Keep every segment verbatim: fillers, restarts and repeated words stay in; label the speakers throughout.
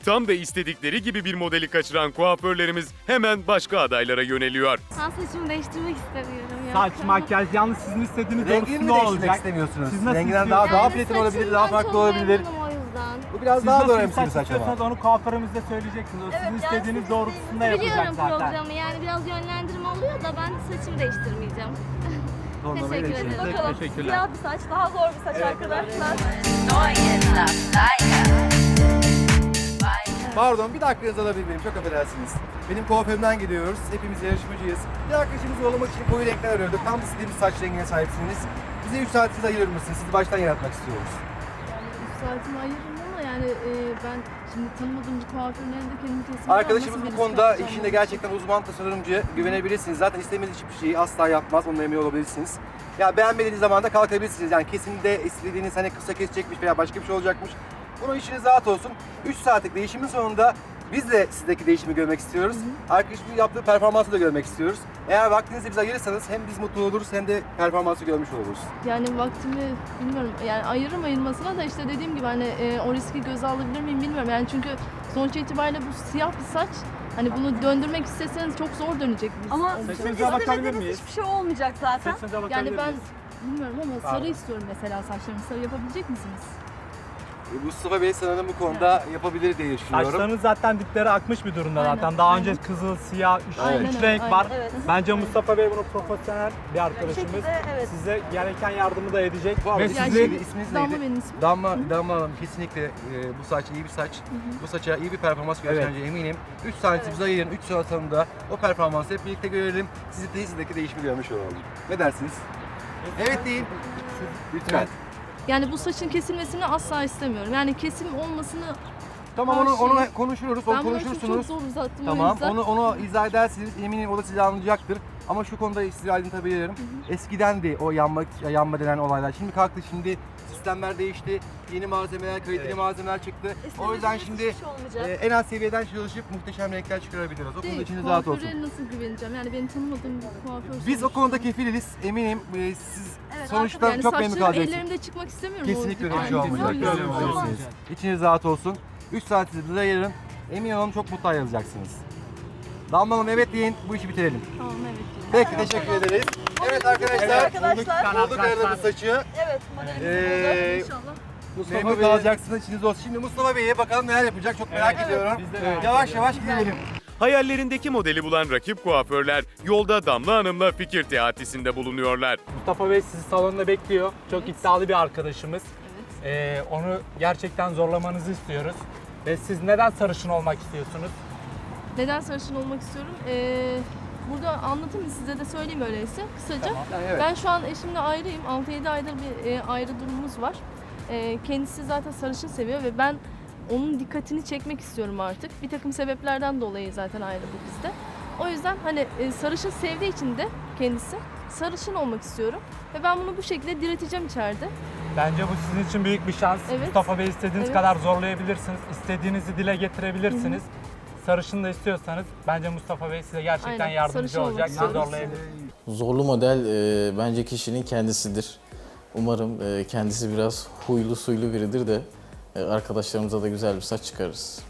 Speaker 1: Tam da istedikleri gibi bir modeli kaçıran kuaförlerimiz hemen başka adaylara yöneliyor.
Speaker 2: Ben saçımı değiştirmek istemiyorum ya.
Speaker 3: Saç, makyaj, yalnız sizin istediğiniz
Speaker 4: Rengini
Speaker 3: doğrusu
Speaker 4: mi
Speaker 3: ne
Speaker 4: değiştirmek
Speaker 3: olacak?
Speaker 4: istemiyorsunuz?
Speaker 3: Siz nasıl
Speaker 4: Renginden daha
Speaker 3: istiyorsunuz?
Speaker 4: daha platin olabilir, daha farklı olabilir.
Speaker 2: O yüzden.
Speaker 4: Bu biraz
Speaker 3: Siz
Speaker 4: daha
Speaker 3: nasıl
Speaker 4: zor
Speaker 3: bir
Speaker 4: emsili
Speaker 3: saç
Speaker 4: saç ama.
Speaker 3: istiyorsanız onu kuaförümüzde söyleyeceksiniz. O sizin istediğiniz doğrultusunda yapacak
Speaker 2: Biliyorum
Speaker 3: zaten.
Speaker 2: programı, yani biraz yönlendirme oluyor da ben saçımı değiştirmeyeceğim.
Speaker 4: Tonlamayı
Speaker 2: Teşekkür ederim.
Speaker 4: değiştirin.
Speaker 5: Bakalım
Speaker 3: Teşekkürler.
Speaker 5: siyah bir saç daha zor bir saç arkadaşlar.
Speaker 4: Pardon, bir dakikanızı alabilir miyim? Çok affedersiniz. Benim kuaförümden geliyoruz. Hepimiz yarışmacıyız. Bir arkadaşımızı yollamak için koyu renkler arıyorduk. Tam istediğimiz saç rengine sahipsiniz. Bize üç saatinizi ayırır mısınız? Sizi baştan yaratmak istiyoruz.
Speaker 6: üç saatimi ayırırım ama yani e, ben şimdi tanımadığım bir kuaförün elinde kendimi kesinlikle
Speaker 4: Arkadaşımız bu konuda işinde gerçekten uzman tasarımcıya güvenebilirsiniz. Zaten istemediğiniz hiçbir şeyi asla yapmaz. Onunla emin olabilirsiniz. Ya beğenmediğiniz zaman da kalkabilirsiniz. Yani kesinlikle istediğiniz hani kısa kesecekmiş veya başka bir şey olacakmış. Bunun işiniz rahat olsun. üç saatlik değişimin sonunda biz de sizdeki değişimi görmek istiyoruz. Arkadaşımın yaptığı performansı da görmek istiyoruz. Eğer vaktinizi bize ayırırsanız hem biz mutlu oluruz hem de performansı görmüş oluruz.
Speaker 6: Yani vaktimi bilmiyorum yani ayırırım ayırmasına da işte dediğim gibi hani e, o riski göze alabilir miyim bilmiyorum. Yani çünkü sonuç itibariyle bu siyah bir saç. Hani bunu döndürmek isteseniz çok zor dönecek bir
Speaker 5: Ama
Speaker 6: olacak.
Speaker 5: sizin
Speaker 3: Saçınıza bakabilir
Speaker 5: istemediğiniz
Speaker 3: miyiz?
Speaker 5: hiçbir şey olmayacak zaten.
Speaker 3: Saçınıza bakabilir
Speaker 6: Yani ben
Speaker 3: miyiz?
Speaker 6: bilmiyorum ama sarı istiyorum mesela saçlarımı. Sarı yapabilecek misiniz?
Speaker 4: Mustafa Bey sanırım bu konuda yapabilir diye düşünüyorum.
Speaker 3: Saçlarınız zaten dipleri akmış bir durumda
Speaker 6: Aynen,
Speaker 3: zaten. Daha
Speaker 6: aynen.
Speaker 3: önce kızıl, siyah, üç,
Speaker 6: Aynen
Speaker 3: üç
Speaker 6: öyle,
Speaker 3: renk
Speaker 6: aynen.
Speaker 3: var.
Speaker 5: Evet.
Speaker 3: Bence Mustafa Bey bunu profesyonel bir arkadaşımız.
Speaker 5: şekilde, evet.
Speaker 3: Size gereken yardımı da edecek.
Speaker 4: Bu arada
Speaker 3: Ve
Speaker 4: isminiz
Speaker 3: sizi
Speaker 4: neydi? İsminiz
Speaker 6: Damla
Speaker 4: neydi?
Speaker 6: benim ismim.
Speaker 4: Damla, Damla Hanım kesinlikle e, bu saç iyi bir saç. Bu saça iyi bir performans göstereceğine eminim. üç saat bize ayırın, üç saat sonunda o performansı hep birlikte görelim. Sizi tesisteki değişimi görmüş olalım. Ne dersiniz? Evet deyin. Lütfen.
Speaker 6: Yani bu saçın kesilmesini asla istemiyorum. Yani kesim olmasını
Speaker 4: Tamam onu,
Speaker 6: Her
Speaker 4: onu
Speaker 6: şey-
Speaker 4: konuşuruz, onu
Speaker 6: ben bunu çok,
Speaker 4: konuşursunuz.
Speaker 6: çok zor uzattım o
Speaker 4: Tamam,
Speaker 6: yüzden.
Speaker 4: onu onu izah edersiniz. Eminim o da sizi anlayacaktır. Ama şu konuda size aydınlatabilirim. Eskiden de o yanma, yanma denen olaylar. Şimdi kalktı, şimdi sistemler değişti. Yeni malzemeler, kaliteli malzemeler çıktı. O yüzden
Speaker 5: İstemediğiniz
Speaker 4: şimdi
Speaker 5: hiçbir şey olmayacak.
Speaker 4: e, en az seviyeden çalışıp muhteşem renkler çıkarabiliriz. O konuda
Speaker 6: Değil,
Speaker 4: içiniz rahat olsun.
Speaker 6: kuaföre nasıl güveneceğim? Yani beni tanımadığım bir kuaför.
Speaker 4: Biz o
Speaker 6: sonuçta.
Speaker 4: konuda kefiliz. Eminim e, siz
Speaker 5: Evet,
Speaker 4: sonuçta
Speaker 6: yani
Speaker 4: çok memnun
Speaker 6: saçlarım
Speaker 4: kalacaksınız.
Speaker 6: ellerimde çıkmak istemiyorum.
Speaker 4: Kesinlikle öyle bir
Speaker 6: Aynen.
Speaker 4: şey olmayacak.
Speaker 6: Güzel
Speaker 4: Öyle
Speaker 6: olmaz.
Speaker 4: olmayacaksınız. İçiniz rahat olsun. üç saatinizi bize ayırın. Emin olun çok mutlu ayrılacaksınız. Damla Hanım evet deyin, bu işi bitirelim.
Speaker 6: Tamam evet. diyorum.
Speaker 4: Peki teşekkür ederiz. Evet arkadaşlar,
Speaker 5: arkadaşlar.
Speaker 4: bulduk aradığımız saçı.
Speaker 5: Evet, modelimiz
Speaker 4: Ee,
Speaker 5: burada inşallah.
Speaker 4: Mustafa Bey kalacaksınız, içiniz olsun. Şimdi Mustafa Bey'e bakalım neler yapacak çok merak ediyorum.
Speaker 3: biz de merak
Speaker 4: Yavaş yavaş gidelim.
Speaker 1: Hayallerindeki modeli bulan rakip kuaförler yolda Damla Hanım'la fikir teatisinde bulunuyorlar.
Speaker 3: Mustafa Bey sizi salonda bekliyor. Çok iddialı bir arkadaşımız. Ee, onu gerçekten zorlamanızı istiyoruz. Ve siz neden sarışın olmak istiyorsunuz?
Speaker 6: Neden sarışın olmak istiyorum? Ee, burada anlatayım mı size de söyleyeyim öyleyse kısaca.
Speaker 4: Yani evet.
Speaker 6: Ben şu an eşimle ayrıyım. altı yedi aydır bir e, ayrı durumumuz var. E, kendisi zaten sarışın seviyor ve ben onun dikkatini çekmek istiyorum artık. Bir takım sebeplerden dolayı zaten ayrıldık biz de. O yüzden hani e, sarışın sevdiği için de kendisi sarışın olmak istiyorum. Ve ben bunu bu şekilde direteceğim içeride.
Speaker 3: Bence bu sizin için büyük bir şans.
Speaker 6: Evet.
Speaker 3: Mustafa Bey istediğiniz
Speaker 6: Evet.
Speaker 3: kadar zorlayabilirsiniz. İstediğinizi dile getirebilirsiniz. Sarışın da istiyorsanız bence Mustafa Bey size gerçekten
Speaker 6: Aynen,
Speaker 3: yardımcı
Speaker 6: sarışın olmak
Speaker 3: olacak. Sizi
Speaker 6: istiyoruz.
Speaker 3: zorlayabilir.
Speaker 7: Zorlu model e, bence kişinin kendisidir. Umarım e, kendisi biraz huylu suylu biridir de e, arkadaşlarımıza da güzel bir saç çıkarırız.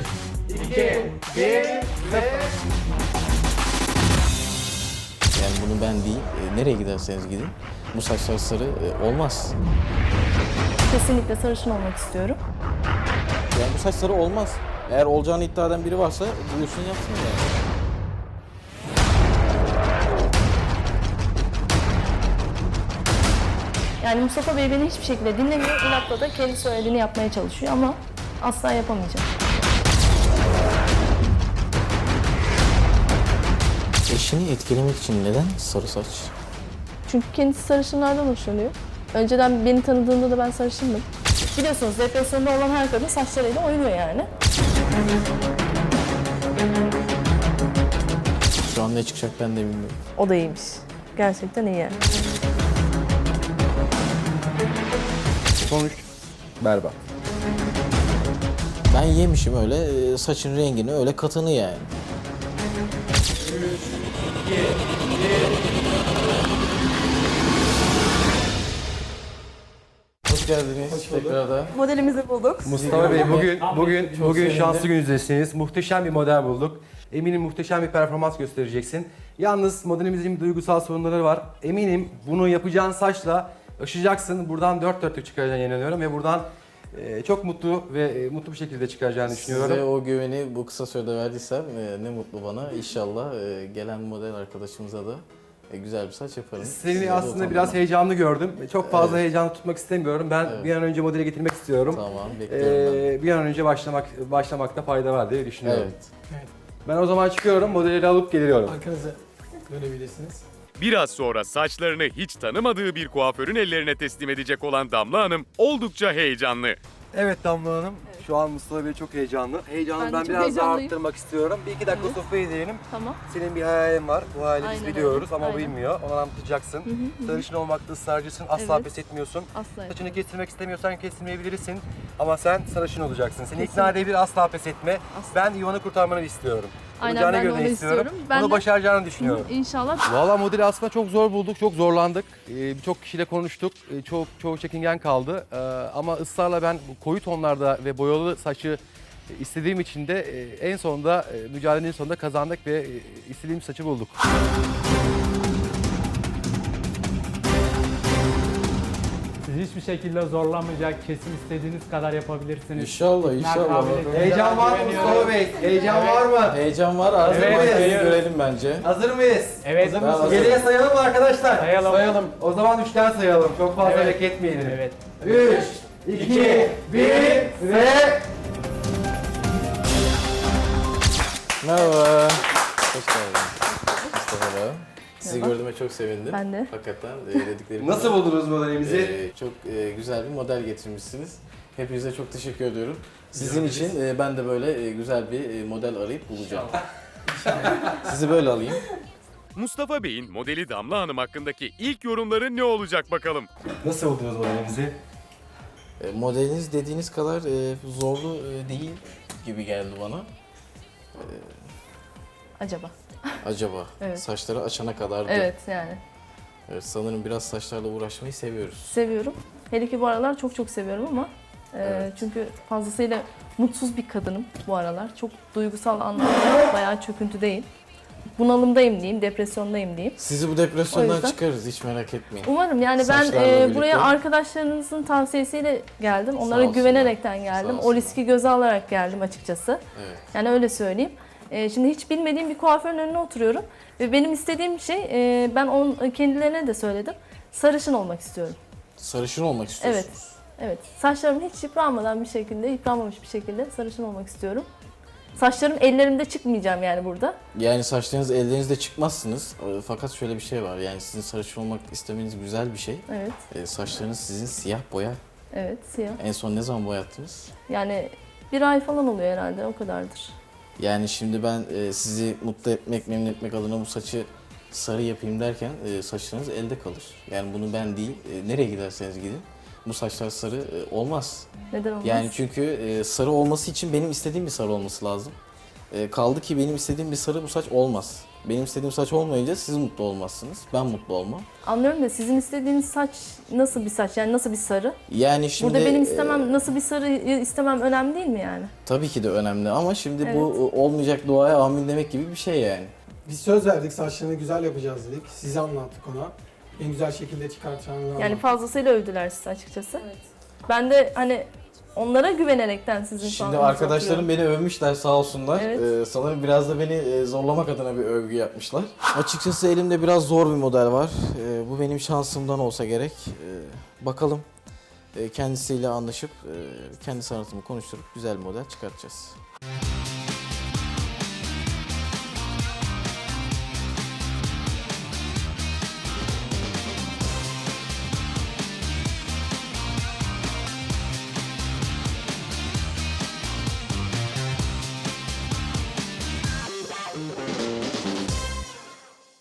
Speaker 7: Yani bunu ben değil, e, nereye giderseniz gidin bu saçlar sarı e, olmaz.
Speaker 6: Kesinlikle sarışın olmak istiyorum.
Speaker 7: Yani bu saç sarı olmaz. Eğer olacağını iddia eden biri varsa buyursun yapsın yani.
Speaker 6: Yani Mustafa Bey beni hiçbir şekilde dinlemiyor. İnatla da kendi söylediğini yapmaya çalışıyor ama asla yapamayacak.
Speaker 7: Eşini etkilemek için neden sarı saç?
Speaker 6: Çünkü kendisi sarışınlardan hoşlanıyor. Önceden beni tanıdığında da ben sarışındım. Biliyorsunuz depresyonda olan her kadın saçlarıyla oynuyor yani.
Speaker 7: Şu an ne çıkacak ben de bilmiyorum.
Speaker 6: O da iyiymiş. Gerçekten iyi yani.
Speaker 4: Sonuç berbat.
Speaker 7: Ben yemişim öyle e, saçın rengini öyle katını yani. hoş geldiniz tekrardan.
Speaker 5: Modelimizi bulduk.
Speaker 4: Mustafa Bey bugün bugün
Speaker 7: Çok
Speaker 4: bugün
Speaker 7: sevindim.
Speaker 4: şanslı gününüzdesiniz. Muhteşem bir model bulduk. Eminim muhteşem bir performans göstereceksin. Yalnız modelimizin duygusal sorunları var. Eminim bunu yapacağın saçla aşacaksın. Buradan dört dörtlük çıkaracağını inanıyorum ve buradan e, çok mutlu ve e, mutlu bir şekilde çıkaracağını düşünüyorum.
Speaker 7: Size o güveni bu kısa sürede verdiysem e, ne mutlu bana. İnşallah e, gelen model arkadaşımıza da e, güzel bir saç yaparım.
Speaker 4: Seni
Speaker 7: Size de
Speaker 4: aslında
Speaker 7: utanmam.
Speaker 4: biraz heyecanlı gördüm. Çok fazla
Speaker 7: Evet.
Speaker 4: heyecanlı tutmak istemiyorum. Ben
Speaker 7: Evet.
Speaker 4: bir an önce modele getirmek istiyorum.
Speaker 7: Tamam, bekliyorum ben.
Speaker 4: Ee, bir an önce başlamak başlamakta fayda var diye düşünüyorum.
Speaker 7: Evet.
Speaker 4: Ben o zaman çıkıyorum, modeli alıp geliyorum.
Speaker 3: Arkanıza dönebilirsiniz.
Speaker 1: Biraz sonra saçlarını hiç tanımadığı bir kuaförün ellerine teslim edecek olan Damla Hanım oldukça heyecanlı.
Speaker 4: Evet Damla Hanım, şu an Mustafa Bey çok heyecanlı. Heyecanı
Speaker 6: Ben
Speaker 4: ben,
Speaker 6: de çok
Speaker 4: biraz daha
Speaker 6: heyecanlıyım.
Speaker 4: arttırmak istiyorum. Bir iki dakika
Speaker 6: Evet.
Speaker 4: sohbet edelim.
Speaker 6: Tamam.
Speaker 4: Senin bir hayalin var, bu hayali biz
Speaker 6: Aynen öyle.
Speaker 4: biliyoruz ama o
Speaker 6: Aynen.
Speaker 4: bilmiyor. Onu anlatacaksın.
Speaker 6: Hı hı hı.
Speaker 4: Sarışın olmakta ısrarcısın, asla
Speaker 6: Evet.
Speaker 4: pes etmiyorsun.
Speaker 6: Asla.
Speaker 4: Saçını kestirmek istemiyorsan kestirmeyebilirsin ama sen sarışın olacaksın. Seni
Speaker 6: Kesin.
Speaker 4: ikna edebilir, asla pes etme.
Speaker 6: Asla.
Speaker 4: Ben Yuvan'ı kurtarmanı istiyorum.
Speaker 6: Aynen,
Speaker 4: Olacağına
Speaker 6: ben de
Speaker 4: göre
Speaker 6: onu
Speaker 4: istiyorum.
Speaker 6: istiyorum. Ben
Speaker 4: Bunu
Speaker 6: de-
Speaker 4: başaracağını düşünüyorum.
Speaker 6: İnşallah.
Speaker 4: Valla modeli aslında çok zor bulduk, çok zorlandık. Ee, Birçok kişiyle konuştuk, ee, çok çoğu çekingen kaldı. Ee, ama ısrarla ben bu koyu tonlarda ve boyalı saçı e, istediğim için de e, en sonunda e, mücadelenin sonunda kazandık ve e, istediğim saçı bulduk.
Speaker 3: Sizi hiçbir şekilde zorlamayacak, kesin istediğiniz kadar yapabilirsiniz.
Speaker 7: İnşallah, inşallah.
Speaker 3: kabiliyeti-
Speaker 4: Heyecan var mı Mustafa Bey? Heyecan var mı?
Speaker 7: Heyecan var, arzu
Speaker 3: Evet,
Speaker 7: evet,
Speaker 3: geliyoruz.
Speaker 7: görelim bence.
Speaker 4: Hazır mıyız?
Speaker 3: Evet.
Speaker 7: Ben hazırım.
Speaker 4: Geriye sayalım mı arkadaşlar?
Speaker 3: Sayalım.
Speaker 4: O zaman üçten sayalım. Çok fazla
Speaker 3: Evet.
Speaker 4: bekletmeyelim.
Speaker 3: Evet.
Speaker 4: üç, iki, bir ve...
Speaker 7: Merhaba. Hoş geldiniz. Mustafa Bey. Sizi
Speaker 6: Merhaba.
Speaker 7: gördüğüme çok sevindim.
Speaker 6: Ben de.
Speaker 7: Hakikaten e, dediklerim
Speaker 4: Nasıl buldunuz modelimizi?
Speaker 7: e, çok e, güzel bir model getirmişsiniz. Hepinize çok teşekkür ediyorum. Sizin için e, ben de böyle e, güzel bir e, model arayıp bulacağım. Sizi böyle alayım.
Speaker 1: Mustafa Bey'in modeli Damla Hanım hakkındaki ilk yorumları ne olacak bakalım.
Speaker 4: Nasıl buldunuz modelimizi?
Speaker 7: E, modeliniz dediğiniz kadar e, zorlu e, değil gibi geldi bana.
Speaker 6: Acaba.
Speaker 7: Acaba
Speaker 6: Evet.
Speaker 7: saçları açana kadardı.
Speaker 6: Evet yani.
Speaker 7: Evet, sanırım biraz saçlarla uğraşmayı seviyoruz.
Speaker 6: Seviyorum. Hele ki bu aralar çok çok seviyorum ama e,
Speaker 7: Evet.
Speaker 6: çünkü fazlasıyla mutsuz bir kadınım bu aralar. Çok duygusal anlamda bayağı çöküntüdeyim. Bunalımdayım diyeyim, depresyondayım diyeyim.
Speaker 7: Sizi bu
Speaker 6: O
Speaker 7: depresyondan
Speaker 6: yüzden-
Speaker 7: çıkarız, hiç merak etmeyin.
Speaker 6: Umarım yani ben
Speaker 7: Saçlarla
Speaker 6: e,
Speaker 7: birlikte.
Speaker 6: buraya arkadaşlarınızın tavsiyesiyle geldim. Onlara
Speaker 7: olsunlar.
Speaker 6: güvenerekten geldim.
Speaker 7: Sağ
Speaker 6: O
Speaker 7: olsunlar.
Speaker 6: riski göze alarak geldim açıkçası.
Speaker 7: Evet.
Speaker 6: Yani öyle söyleyeyim. E, şimdi hiç bilmediğim bir kuaförün önüne oturuyorum. Ve benim istediğim şey, e, ben on, kendilerine de söyledim. Sarışın olmak istiyorum.
Speaker 7: Sarışın olmak istiyorsunuz.
Speaker 6: Evet. Saçlarım hiç yıpranmadan bir şekilde, yıpranmamış bir şekilde sarışın olmak istiyorum. Saçlarım ellerimde çıkmayacağım yani burada.
Speaker 7: Yani saçlarınız ellerinizde çıkmazsınız. E, Fakat şöyle bir şey var. Yani sizin sarışın olmak istemeniz güzel bir şey.
Speaker 6: Evet.
Speaker 7: E, saçlarınız sizin siyah boya.
Speaker 6: Evet, siyah.
Speaker 7: En son ne zaman boyattınız?
Speaker 6: Yani bir ay falan oluyor herhalde, o kadardır.
Speaker 7: Yani şimdi ben e, sizi mutlu etmek, memnun etmek adına bu saçı sarı yapayım derken e, saçlarınız elde kalır. Yani bunu ben değil, e, nereye giderseniz gidin bu saçlar sarı e, olmaz.
Speaker 6: Neden olmaz?
Speaker 7: Yani çünkü e, sarı olması için benim istediğim bir sarı olması lazım. E, kaldı ki benim istediğim bir sarı bu saç olmaz. Benim istediğim saç olmayınca siz mutlu olmazsınız, ben mutlu olmam.
Speaker 6: Anlıyorum da sizin istediğiniz saç nasıl bir saç, yani nasıl bir sarı?
Speaker 7: Yani şimdi
Speaker 6: Burada benim
Speaker 7: e,
Speaker 6: istemem, nasıl bir sarı istemem önemli değil mi yani?
Speaker 7: tabii ki de önemli ama şimdi
Speaker 6: Evet.
Speaker 7: bu e, olmayacak duaya amin demek gibi bir şey yani.
Speaker 8: Biz söz verdik, saçlarını güzel yapacağız dedik. Size anlattık ona. En güzel şekilde çıkartacağını
Speaker 6: Yani
Speaker 8: anlattık.
Speaker 6: fazlasıyla övdüler sizi açıkçası. Ben de hani onlara güvenerekten sizin şu
Speaker 7: Şimdi
Speaker 6: an
Speaker 7: arkadaşlarım beni övmüşler sağ olsunlar.
Speaker 6: Evet.
Speaker 7: Ee, sanırım biraz da beni e, zorlamak adına bir övgü yapmışlar. Açıkçası elimde biraz zor bir model var. Ee, bu benim şansımdan olsa gerek. Ee, bakalım Ee, kendisiyle anlaşıp e, kendi sanatımı konuşturup güzel bir model çıkartacağız.